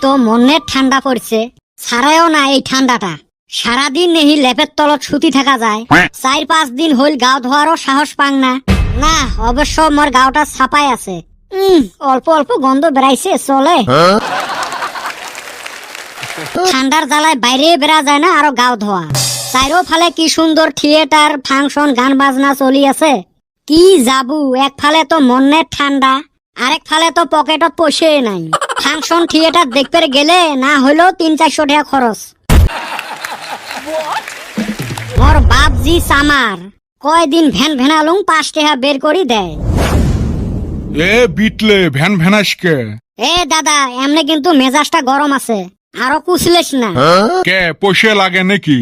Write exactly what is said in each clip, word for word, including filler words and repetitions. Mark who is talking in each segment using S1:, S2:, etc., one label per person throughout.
S1: তো মনের ঠান্ডা পড়ছে, ছাড়াও না এই ঠান্ডাটা। সারাদিন নেহি লেপের তলত সুতি থাকা যায়, চার পাঁচ দিন হইল গাও ধোয়ারও সাহস পাং না। না অবশ্য মোর গাওটা ছাপাই আছে, উম অল্প অল্প গন্ধ বেড়াইছে, চলে। ঠান্ডার জ্বালায় বাইরে বেড়া যায় না আরো গাও ধোয়া। চাইরো ফালে কি সুন্দর থিয়েটার ফাংশন গান বাজনা চলি আছে। কি যাবু, এক ফালে তো মনের ঠান্ডা, আরেক ফালে তো পকেটত পয়সা নাই। ফাংশন থিয়েটার দেখতে গেলে না হইলেও তিন চারশো টাকা খরচ। মোর বাপ জি সামার কয়দিন ভ্যান ভ্যানালুং পাঁচ টাকা বের করি দেয়।
S2: এ বিটলে ভ্যান ভ্যানাসকে
S1: এ দাদা এমনি কিন্তু মেজাজটা গরম আছে, আরো কুছলেস না।
S2: কে পয়সা লাগে নাকি?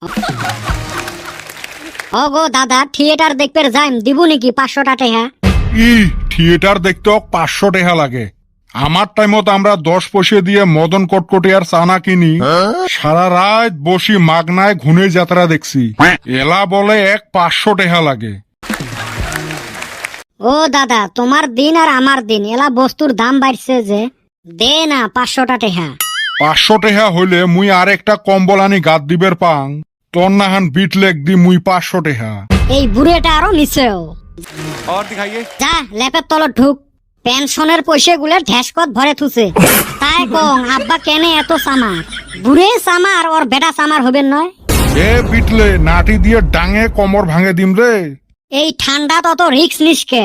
S1: ও গো দাদা, থিয়েটার দেখতে যাইম, দিব নাকি পাঁচশো টাকা?
S2: ই থিয়েটার দেখতে পাঁচশো টাকা লাগে। আমার টাইমত আমরা দশ পয়সা দিয়ে মদন কটকটি আর চানা কিনি, সারা রাত বসি মাগনায় ঘুনে যাত্রা দেখছি। এলা বলে এক পাঁচশো টাকা লাগে।
S1: ও দাদা, তোমার দিন আর আমার দিন, এলা বস্তুর দাম বাড়ছে যে, দে না পাঁচশো টাকা।
S2: পাঁচশো টাকা হইলে মুই আর একটা কম্বল আনি গাদ দিবের পাং, তোর নাহান বিট লেগ দি মুই পাঁচশো টাকা।
S1: এই বুড়েটা আরো নিচেও। যা লেপের তলত ঢুক, পেনশনের পয়সা গুলো ঢেসকত ভরে থুছে। তাই কং আব্বা কেনে এত সামার? বুড়ে সামার ওর বেটা সামার হবেন নয়?
S2: এ বিটলে নাটি দিয়ে ডাঙে কমর ভাঙে দিম রে।
S1: এই ঠান্ডা তত রিক্স নিসকে।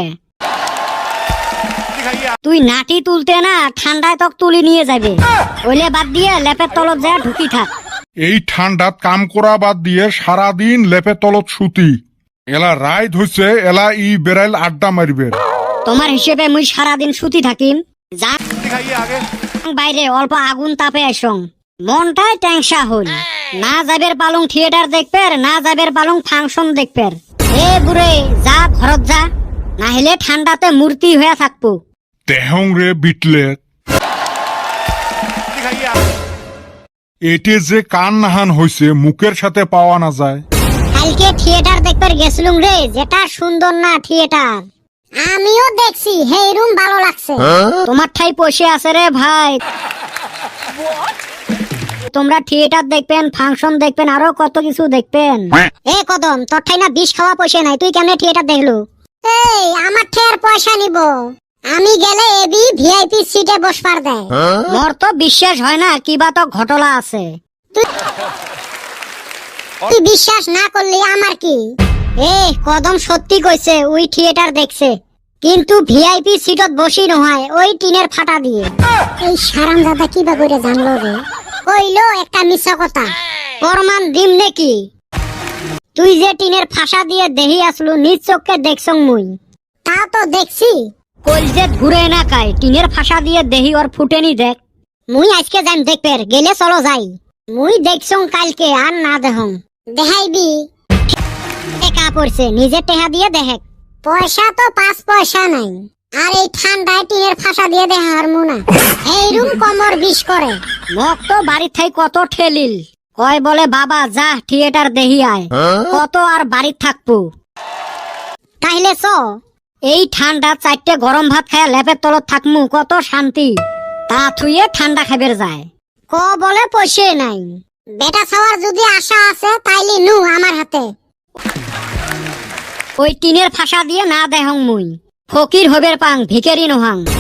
S1: তুই নাটি তুলতে না ঠান্ডায় তক তুলি নিয়ে যাবে, ওইলে বাদ দিয়ে লেপের তলত যা ঢুকি থাক।
S2: এই ঠান্ডাত কাম করা বাদ দিয়ে সারাদিন লেপে তলত সুতি। এলা রাইত হইছে, এলা ই বেড়াইল আড্ডা মারিবে।
S1: তোমার হিসেবে মুই সারাদিন সুতি থাকিম, যা বাইরে অল্প আগুন তাপে আসং। মনটাই ট্যাংসা হল, না যাবের পালং থিয়েটার দেখবে, না যাবের পালং ফাংশন দেখবে। এ বুড়ে যা ঘরত যা, না হলে ঠান্ডাতে মূর্তি হয়ে থাকবো।
S2: তেহং রে বিটলে, এটে যে কান নাহান হইছে মুখের সাথে পাওয়া না যায়।
S1: কালকে থিয়েটার দেখতে গেছিলুম রে, যেটা সুন্দর না থিয়েটার। আমিও দেখছি, হেই রুম ভালো লাগছে। তোমার ঠাই পয়সা আছে রে ভাই, তোমরা থিয়েটার দেখবেন, ফাংশন দেখবেন, আরো কত কিছু দেখবেন। এ কদম, তোর ঠাই না বিষ খাওয়া পয়সা নাই, তুই কেমনে থিয়েটার দেখলু? এই আমার ঠের পয়সা নিব, আমি গেলে এবি ভিআইপি সিটে বসবার দেয়। মোর তো বিশ্বাস হয় না, কিবা তো ঘটলা আছে। তুই বিশ্বাস না করলি আমার কি? এ কদম সত্যি কইছে, ওই থিয়েটার দেখছে, কিন্তু ভিআইপি সিটত বসি নহয়, ওই টিনের ফাটা দিয়ে। এই সারাম দাদা কিবা করে জানলো রে? কইলো একটা মিছা কথা, প্রমাণ দিম নাকি? তুই যে টিনের ফাঁসা দিয়ে দেহি আসলু, নিজ চোখকে দেখছং মুই। তা তো দেখছি, কইল যে ঘুরে না কায়, টিনের ফাঁসা দিয়ে দেহি ওর ফুটেনি দেখ। মুই আজকে যাইম দেখবে, গেলে চলো যাই। মুই দেখছং কালকে, আর না দেহং। দেখাইবি টেকা পড়ছে, নিজে টেহা দিয়ে দেখ। পয়সা তো পাঁচ পয়সা নাই, আর এই ঠান্ডায় টিনের ফাঁসা দিয়ে দেখা হারমু না। এই রুম কমর বিষ করে। মক তো বাড়ির থাই কত ঠেলিল, কয় বলে বাবা যা থিয়েটার দেহি আয়, কত আর বাড়ির থাকবো। তাইলে চ, এই ঠান্ডা চারটে গরম ভাত খায় লেপের তলত থাকমু, কত শান্তি। তা থুয়ে ঠান্ডা খাইবের যায়, ক বলে পয়সা নাই। বেটা খাওয়ার যদি আশা আছে তাইলে নু আমার হাতে। ওই টিনের ফাঁসা দিয়ে না দেহং মুই, ফকির হবের পাং, ভিখারি নহাং।